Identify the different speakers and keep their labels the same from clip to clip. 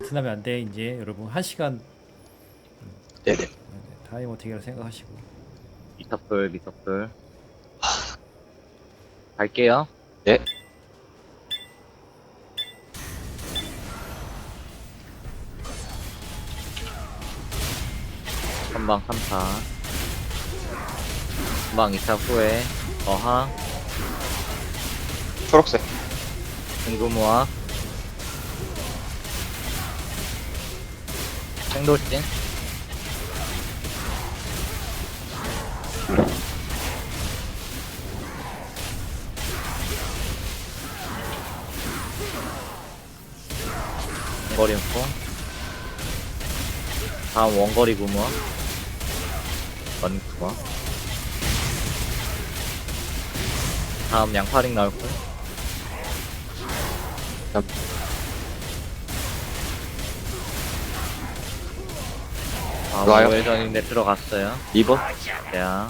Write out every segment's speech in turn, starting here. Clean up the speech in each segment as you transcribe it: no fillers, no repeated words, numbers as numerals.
Speaker 1: 지나면 안 돼. 이제 여러분 1시간
Speaker 2: 네네.
Speaker 1: 타이머 대결 생각하시고.
Speaker 3: 리서플, 리서플. 갈게요.
Speaker 2: 네.
Speaker 3: 전방 3타. 전방 2타 후에 어하,
Speaker 2: 초록색.
Speaker 3: 등구모아, 생돌진. 원거리 인포. 다음 원거리 구모아. 원구모아. 다음 양파링 나올 거야.
Speaker 2: 좋아요.
Speaker 3: 우회전인데 들어갔어요.
Speaker 2: 2번.
Speaker 3: 야,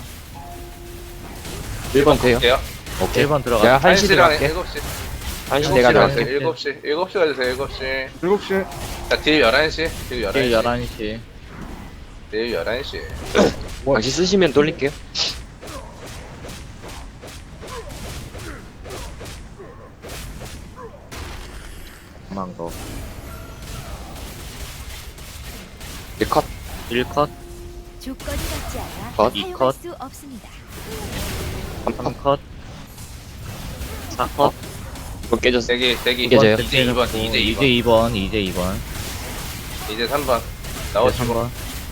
Speaker 2: 1번 돼요.
Speaker 4: 갈게요.
Speaker 2: 오케이.
Speaker 3: 1번
Speaker 2: 내가
Speaker 3: 들어갔어.
Speaker 2: 1시
Speaker 4: 1시랑
Speaker 2: 들어갈게.
Speaker 4: 7시.
Speaker 2: 1시 내가
Speaker 4: 가주세요.
Speaker 2: 들어갈게.
Speaker 4: 7시. 7시 가주세요. 7시.
Speaker 5: 7시.
Speaker 4: 자, 딜 11시. 딜 11시.
Speaker 3: 길 11시.
Speaker 4: 딜 11시.
Speaker 2: 당시 쓰시면 돌릴게요.
Speaker 3: 한번 더.
Speaker 2: 1컷.
Speaker 3: 1컷,
Speaker 6: 조건이 같지 않아
Speaker 2: 컷.
Speaker 6: 사용할
Speaker 3: 2컷.
Speaker 6: 수 없습니다.
Speaker 3: 3컷, 4컷.
Speaker 2: 이거 깨졌어.
Speaker 4: 대기.
Speaker 2: 깨져요.
Speaker 4: 이제 2번. 이제 2번.
Speaker 3: 이제 2번. 이제 2번.
Speaker 4: 이제 3번.
Speaker 3: 이제
Speaker 4: 나오시고.
Speaker 3: 3번.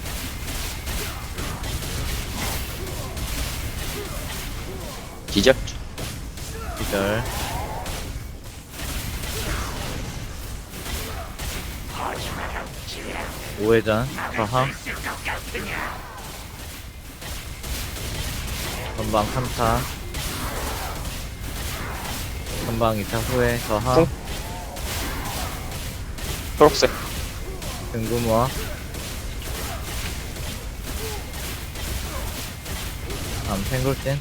Speaker 2: 기절.
Speaker 3: 기절. 우회전, 저항. 전방 3타. 전방 2타 후에 저항.
Speaker 2: 초록색.
Speaker 3: 등구 모아. 다음 생골진.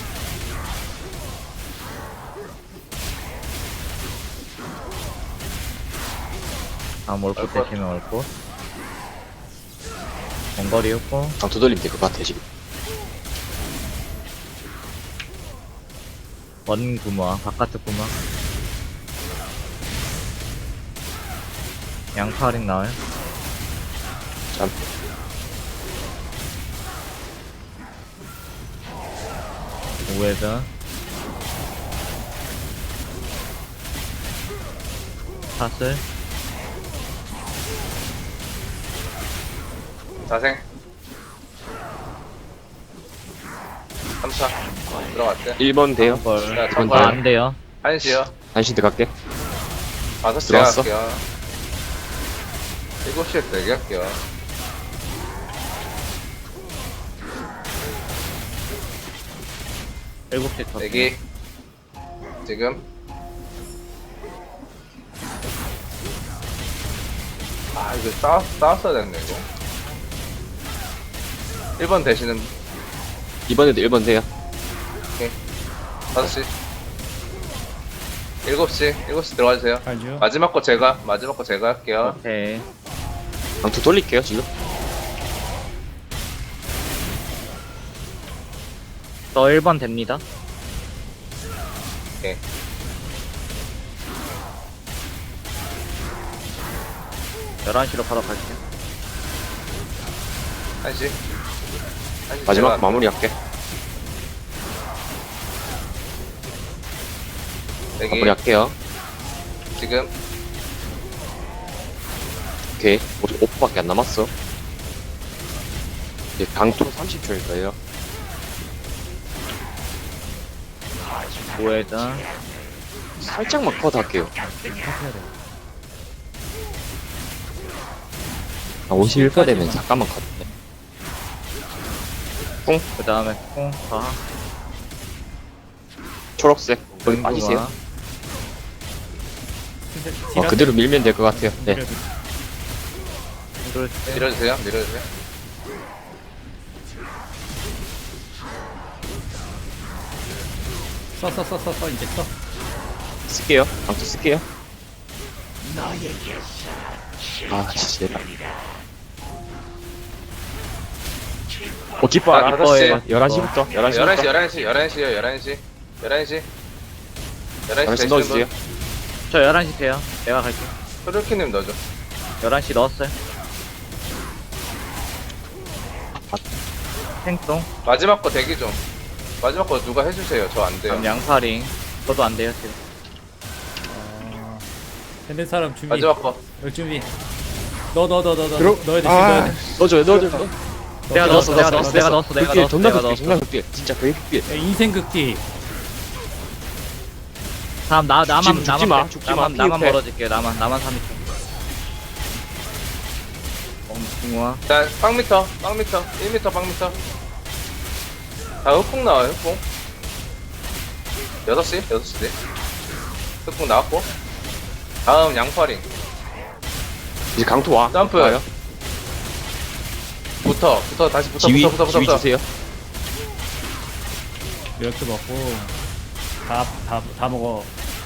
Speaker 3: 다음 올꽃 대시면 올꽃. 원거리 했고.
Speaker 2: 강투 돌리면 될 것 같아, 지금.
Speaker 3: 원 구마, 바깥쪽 구마. 양파링 나와요.
Speaker 2: 참.
Speaker 3: 우회전. 사슬.
Speaker 4: 자생. 3차. 들어갔대.
Speaker 2: 1번 돼요.
Speaker 3: 걸.
Speaker 4: 자,
Speaker 2: 이건
Speaker 4: 정말.
Speaker 3: 안 돼요.
Speaker 4: 1시요.
Speaker 2: 1시 들어갈게.
Speaker 4: 5시
Speaker 2: 들어왔어?
Speaker 4: 할게요. 7시에 대기할게요.
Speaker 3: 일곱 시 터.
Speaker 4: 대기. 지금. 아, 이거 싸웠어야 됐네, 이거. 1번 대신은
Speaker 2: 2번에도 1번 돼요.
Speaker 4: 5시. 7시 들어가주세요.
Speaker 1: 알죠?
Speaker 4: 마지막 거 제가 할게요.
Speaker 3: 오케이.
Speaker 2: 강투 돌릴게요, 지금.
Speaker 3: 저 1번 됩니다.
Speaker 4: 오케이.
Speaker 3: 열한 시로 바로 갈게요.
Speaker 4: 1시.
Speaker 2: 마지막 마무리 할게.
Speaker 4: 대기.
Speaker 2: 마무리 할게요.
Speaker 4: 지금.
Speaker 2: 오케이. 5%밖에 안 남았어. 이제 강투 30초일 거예요.
Speaker 3: 우회전.
Speaker 2: 살짝만 컷 할게요.
Speaker 1: 해야 돼.
Speaker 2: 51% 되면 잠깐만 컷.
Speaker 3: 그 다음에 콩, 저항.
Speaker 2: 초록색. 거기 빠지세요. 그대로 밀면 될 것 같아요. 네.
Speaker 4: 밀어주세요.
Speaker 1: 써 이제 써.
Speaker 2: 쓸게요. 강투 쓸게요. 아 진짜
Speaker 3: 깃발
Speaker 4: 아,
Speaker 3: 아빠예요.
Speaker 2: 11시부터
Speaker 4: 11시 11시요 11시 11시
Speaker 2: 11시 넣어주세요.
Speaker 3: 저 11시 돼요. 내가 갈게요.
Speaker 4: 소르키님 넣어줘
Speaker 3: 11시 넣었어요. 행동.
Speaker 4: 마지막 거 대기 좀 마지막 거 누가 해주세요 저 안 돼요
Speaker 3: 그럼 양파링. 저도 안 돼요, 지금.
Speaker 1: 되는 사람 준비.
Speaker 4: 마지막 거
Speaker 1: 열 준비. 넣어야 돼. 지금 넣어야 돼.
Speaker 2: 넣어줘요.
Speaker 3: 내가 넣었어, 내가 넣었어, 내가 넣었어, 내가 넣었어,
Speaker 2: 존나
Speaker 3: 내가
Speaker 2: 극딜,
Speaker 3: 넣었어.
Speaker 2: 존나 극딜. 진짜 거의 극딜.
Speaker 1: 야, 인생 극기.
Speaker 3: 다음 나만
Speaker 2: 죽지 마,
Speaker 3: 나만
Speaker 2: 죽지 마.
Speaker 3: 나만
Speaker 2: 피해.
Speaker 3: 멀어질게요. 나만 3m. 중화.
Speaker 4: 자, 빵미터, 1m, 빵미터. 자, 흑풍 나와요, 흑풍. 6시, 네. 흑풍 나왔고. 다음 양파링.
Speaker 2: 이제 강토 와.
Speaker 4: 점프.
Speaker 2: 와요.
Speaker 4: 다시
Speaker 2: 지휘
Speaker 4: 붙어.
Speaker 2: 주세요.
Speaker 1: 이렇게 먹고 다 먹어.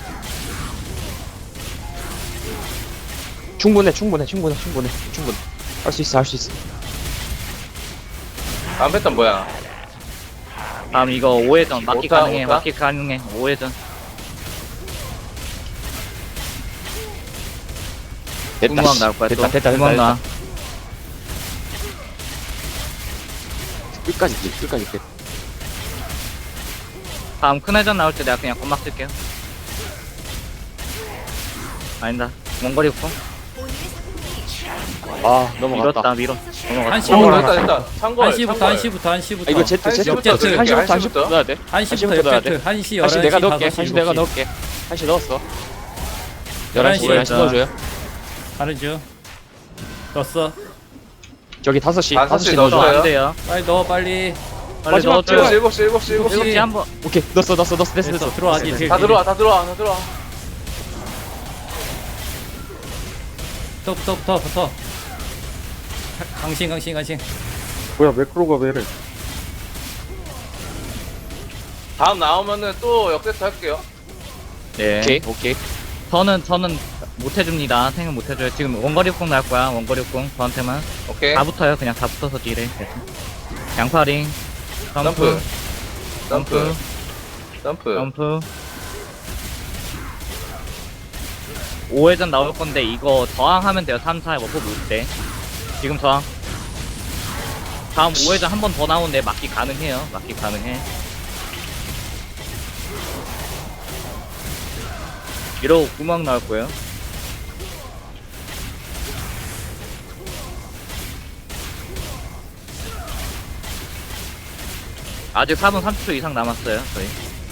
Speaker 2: 충분해. 할 수 있어.
Speaker 4: 다음 패턴 뭐야?
Speaker 3: 다음 이거 5회전 맞기
Speaker 4: 오타,
Speaker 3: 가능해.
Speaker 4: 오타?
Speaker 3: 맞기 가능해. 5회전. 구멍 나올 거야. 또.
Speaker 2: 됐다.
Speaker 3: 구멍 나.
Speaker 2: 끝까지 끝.
Speaker 3: 다음 큰 회전 나올 때 내가 그냥 건막 쓸게요. 아니다. 원거리 후풍.
Speaker 2: 아 넘어갔다.
Speaker 3: 밀었다. 넘어갔다.
Speaker 1: 한시
Speaker 4: 됐다. 참고해.
Speaker 1: 1시부터
Speaker 2: 아 이거 Z
Speaker 4: 한시
Speaker 1: Z.
Speaker 4: 부터 넣을게,
Speaker 2: 1시부터
Speaker 4: 한시부터.
Speaker 2: 넣어야 돼.
Speaker 1: 1시부터
Speaker 2: 넣어야 돼.
Speaker 1: 1시
Speaker 2: 1시
Speaker 1: 11시
Speaker 2: 내가 넣을게.
Speaker 1: 5시
Speaker 2: 1시 내가 넣을게. 1시 넣었어. 11시
Speaker 1: 11시
Speaker 2: 넣어줘요.
Speaker 1: 가는 중. 넣었어.
Speaker 2: 저기 5시
Speaker 4: 5시
Speaker 2: 넣어줘.
Speaker 4: 넣어줘요.
Speaker 3: 안 돼요.
Speaker 1: 빨리 넣어 빨리.
Speaker 3: 빨리
Speaker 2: 마지막
Speaker 3: 넣어줘요.
Speaker 4: 7시.
Speaker 3: 7시 한 번.
Speaker 2: 오케이 넣었어. 됐어.
Speaker 1: 됐어. 들어와지. 딜,
Speaker 4: 다
Speaker 1: 딜.
Speaker 4: 들어와.
Speaker 1: 붙어. 강신.
Speaker 5: 뭐야 매크로가 왜 이래?
Speaker 4: 다음 나오면은 또 역세트 할게요.
Speaker 3: 네.
Speaker 2: 오케이.
Speaker 3: 저는 못 해줍니다. 생은 못 해줘요. 지금 원거리 후풍 나올 거야. 원거리 후풍. 저한테만.
Speaker 4: 오케이.
Speaker 3: 다 붙어요. 그냥 다 붙어서 딜해. 양파링. 점프.
Speaker 4: 점프.
Speaker 3: 점프. 5회전 나올 건데 이거 저항하면 돼요. 3, 4에 워프 못 때. 지금 저항. 다음 5회전 한 번 더 나오는데 맞기 가능해요. 맞기 가능해. 이러고 구멍 나올 거예요. 아직 4분 30초 이상 남았어요. 저희.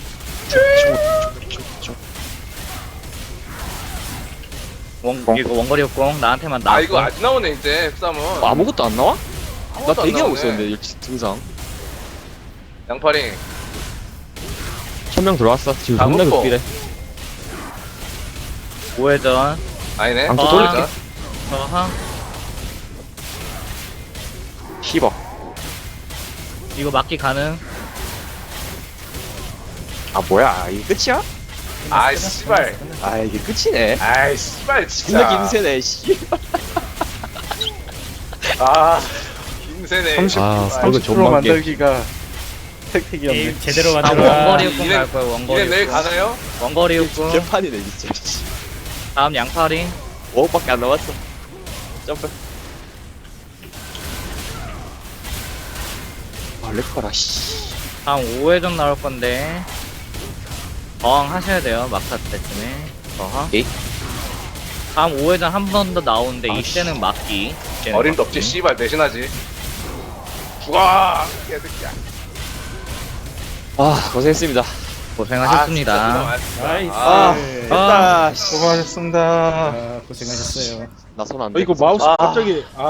Speaker 3: 이거 원거리 협공 나한테만
Speaker 4: 아,
Speaker 3: 나왔고.
Speaker 4: 이거 아직 나오네, 이제, 흑삼은.
Speaker 2: 뭐 아무것도 안 나와? 나
Speaker 4: 아무것도 안
Speaker 2: 대기하고
Speaker 4: 나오네.
Speaker 2: 있었는데 등상.
Speaker 4: 양파링.
Speaker 2: 1000명 들어왔어. 지금
Speaker 4: 다
Speaker 2: 존나
Speaker 4: 먹고.
Speaker 2: 극딜해.
Speaker 3: 5회전
Speaker 4: 아니네.
Speaker 2: 강토
Speaker 3: 돌릴게. 저항.
Speaker 2: 10억.
Speaker 3: 이거 맞기 가능.
Speaker 2: 아 뭐야 이게 끝이야?
Speaker 4: 아이, 씨발.
Speaker 2: 아 이게 끝이네.
Speaker 4: 아이, 씨발, 진짜.
Speaker 2: 존나 김새네 씨.
Speaker 4: 아, 김새네.
Speaker 5: 30,
Speaker 2: 아,
Speaker 4: 씨발.
Speaker 2: 그거
Speaker 5: 30%
Speaker 2: 존나
Speaker 5: 만들기가 택틱이었네.
Speaker 1: 게임 제대로
Speaker 3: 아,
Speaker 1: 만들어.
Speaker 3: 원거리 협공
Speaker 4: 이래-
Speaker 3: 갈 거예요. 원거리
Speaker 4: 이래 내일
Speaker 3: 협공.
Speaker 4: 가나요?
Speaker 3: 원거리 협공.
Speaker 2: 개판이네 진짜. 씨.
Speaker 3: 다음 양파링.
Speaker 2: 5억밖에 안 남았어. 점프. 아 렉봐라 씨.
Speaker 3: 다음 5회전 나올 건데 저항 하셔야 돼요. 막타 때쯤에 저항.
Speaker 2: 오케이.
Speaker 3: 다음 5회전 한 번 더 나오는데
Speaker 2: 아,
Speaker 3: 이때는 막기. 이때는
Speaker 4: 어림도
Speaker 3: 막기.
Speaker 4: 없지, 씨발, 대신하지. 죽어! 개새끼야.
Speaker 2: 아 고생했습니다.
Speaker 3: 고생하셨습니다.
Speaker 4: 아,
Speaker 1: 나이스.
Speaker 2: 아 됐다. 씨.
Speaker 5: 수고하셨습니다.
Speaker 1: 아, 고생하셨어요.
Speaker 2: 나 손 안 돼.
Speaker 5: 이거 마우스
Speaker 4: 아.
Speaker 5: 갑자기